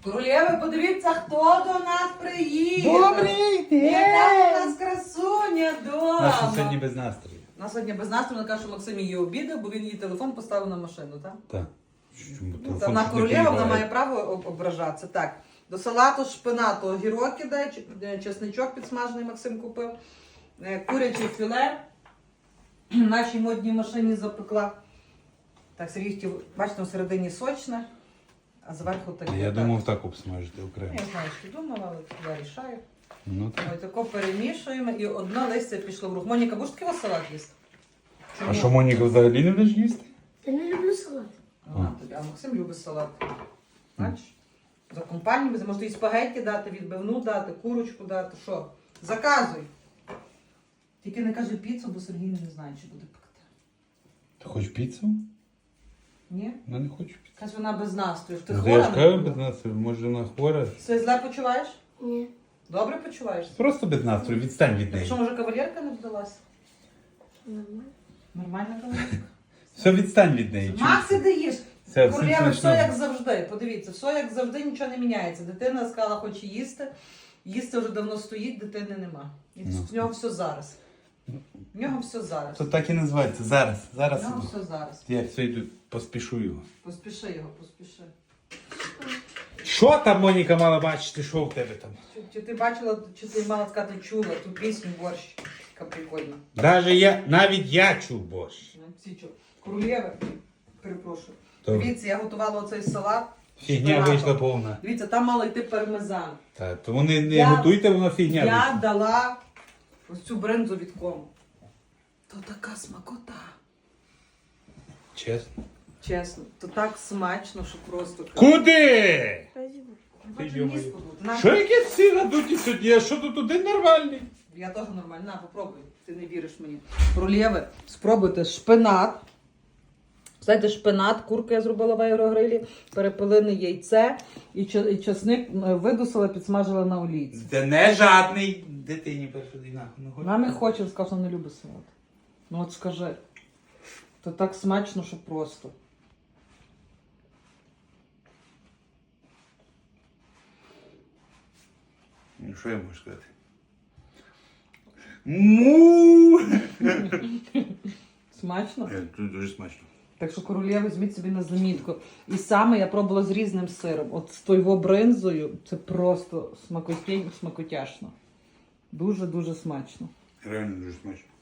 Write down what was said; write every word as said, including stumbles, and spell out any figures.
Королєви, подивіться, хто до нас приїхав. Добрий день! Яка у нас красуня дома. Наша сьогодні без настрою. У нас сьогодні без настрою, вона каже, що Максим її обідав, бо він її телефон поставив на машину, так? Так. Ну, та вона королева, вона має право об- ображатися. Так, до салату шпинату огірок кидає, ч- чесничок підсмажений Максим купив, е, куряче філе в нашій модній машині запекла. Так, Сергій хотів, бачите, всередині сочне, а зверху таке. Я так. думав так обсмажити окремо. Я знаю, що думала, але я рішаю. Ну так. Ось тако перемішуємо і одне листя пішло в рух. Моніка, будеш такий салат їсти? А що, Моніка взагалі не будеш їсти? Я не люблю салат. Ага, тобі. А Максим любить салат. Бачиш? За компанію, можете і спагетті дати, відбивну дати, курочку дати. Що? Заказуй. Тільки не кажи піцу, бо Сергій не знає, чи буде пекти. Ти хочеш піцу? Ні? Я не хочу піцу. Каже, вона без настрою. Ти Ну, хвора? Я ж кажу без настрою, може вона хвора. Все зле почуваєш? Ні. Добре почуваєшся? Просто без настрою, відстань від неї. Що, може, кавалерка не вдалася? Нормально. Нормальна кавалерка? Все, відстань від неї. Макс, ти даєш. Все, Королева, все все як смачно. завжди. Подивіться, все як завжди, нічого не міняється. Дитина сказала, хоче їсти. Їсти вже давно стоїть, дитини нема. І Ну. в нього все зараз. В нього все зараз. То так і називається. Зараз. В Зараз. нього іду. все зараз. Я все йду, поспішу його. Поспіши його, поспіши. Що там, Моніка, мала бачити, що в тебе там? Чи, чи ти бачила, чи ти мала сказати, чула ту пісню борщ? Яка прикольна. Даже я, навіть я чув борщ. Ну, всі чули. Королєви, перепрошую. То Дивіться, я готувала оцей салат. фігня шпинатом. вийшла повна. Дивіться, там мало йти пармезан. Та, то вони не Я- готуйте, воно фігня Я вийшла. дала ось цю бринзу від кому. То така смакота. Чесно. Чесно, то так смачно, що просто. Куди? Спасибо. Хочу Ти, ніс йо-моє. подути. На. Що яке всі надуті сьогодні? А що тут один нормальний? Я теж нормально. На, попробуй. Ти не віриш мені. Рулєви, спробуйте шпинат. Знаєте, шпинат, курку я зробила в аерогрилі, перепилене яйце і ча- і часник е, видусила, підсмажила на олійці. Це не жадний. Дитині першу нахуй не хоче. Вона не хоче, сказав, що не любить салат. Ну от скажи. То так смачно, що просто. Ну, що я можу сказати? Му! Смачно? Е, Тут дуже смачно. Так що королєва, візьміть собі на замітку. І саме я пробувала з різним сиром. От з тою бринзою це просто смакотєнь, смакотяшно. Дуже-дуже смачно. Реально дуже смачно.